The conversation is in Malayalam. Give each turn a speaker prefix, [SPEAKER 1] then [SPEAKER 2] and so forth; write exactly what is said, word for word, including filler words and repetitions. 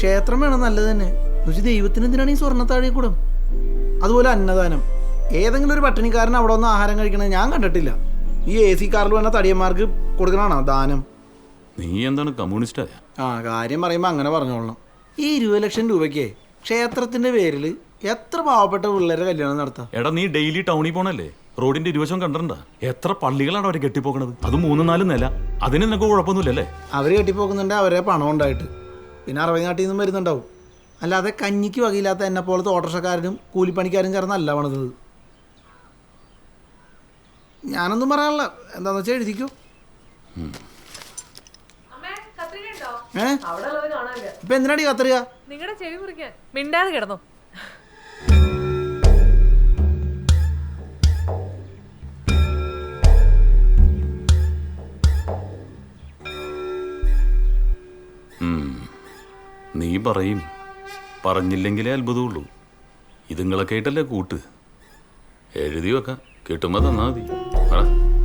[SPEAKER 1] ക്ഷേത്രം വേണം നല്ലത് തന്നെ. എന്നുവെച്ച് ദൈവത്തിന് എന്തിനാണ് ഈ സ്വർണ്ണത്താഴെ കൂടും? അതുപോലെ അന്നദാനം. ഏതെങ്കിലും ഒരു പട്ടിണിക്കാരൻ അവിടെ ഒന്ന് ആഹാരം കഴിക്കണത് ഞാൻ കണ്ടിട്ടില്ല. ഈ എ സി കാറിൽ വന്ന തടിയന്മാർക്ക് കൊടുക്കണാണോ ദാനം?
[SPEAKER 2] നീ എന്താണ് കമ്മ്യൂണിസ്റ്റായ?
[SPEAKER 1] ആ കാര്യം പറയുമ്പോൾ അങ്ങനെ പറഞ്ഞോളണം. ഈ ഇരുപത് ലക്ഷം രൂപയ്ക്ക് ക്ഷേത്രത്തിന്റെ പേരിൽ എത്ര പാവപ്പെട്ട പിള്ളേരെ കല്യാണം നടത്താം?
[SPEAKER 2] എടാ നീ ഡെയിലി ടൗണിൽ പോണല്ലേ? റോഡിന്റെ ഇരുവശം കണ്ടിട്ടുണ്ടാ? എത്ര പള്ളികളാണ് അവരെ കെട്ടിപ്പോക്കണത്? അത് മൂന്ന് നാല് നില. അതിന് നിനക്ക് കുഴപ്പമൊന്നുമില്ലല്ലേ?
[SPEAKER 1] അവർ കെട്ടിപ്പോക്കുന്നുണ്ട് അവരെ പണം ഉണ്ടായിട്ട്. പിന്നെ അറുപത് നാട്ടിൽ നിന്നും വരുന്നുണ്ടാവും. അല്ലാതെ കഞ്ഞിക്ക് വകയില്ലാത്ത എന്നെ പോലത്തെ ഓട്ടോറിക്ഷക്കാരനും കൂലിപ്പണിക്കാരും ചേർന്നല്ല പണിതത്. ഞാനൊന്നും പറയാനുള്ള. എന്താന്ന് വെച്ചാൽ എഴുതിക്കോ. ഏ ഇപ്പൊ എന്തിനാടി കത്തറിയ?
[SPEAKER 3] നിങ്ങളുടെ ചെവി മുറിക്കാൻ മിണ്ടാതെ കിടന്നു.
[SPEAKER 2] നീ പറയും, പറഞ്ഞില്ലെങ്കിലേ അത്ഭുതമുള്ളൂ. ഇതുങ്ങളൊക്കെ ആയിട്ടല്ലേ കൂട്ട്. എഴുതി വെക്കാം, കിട്ടുമ്പോ തന്നാ മതി.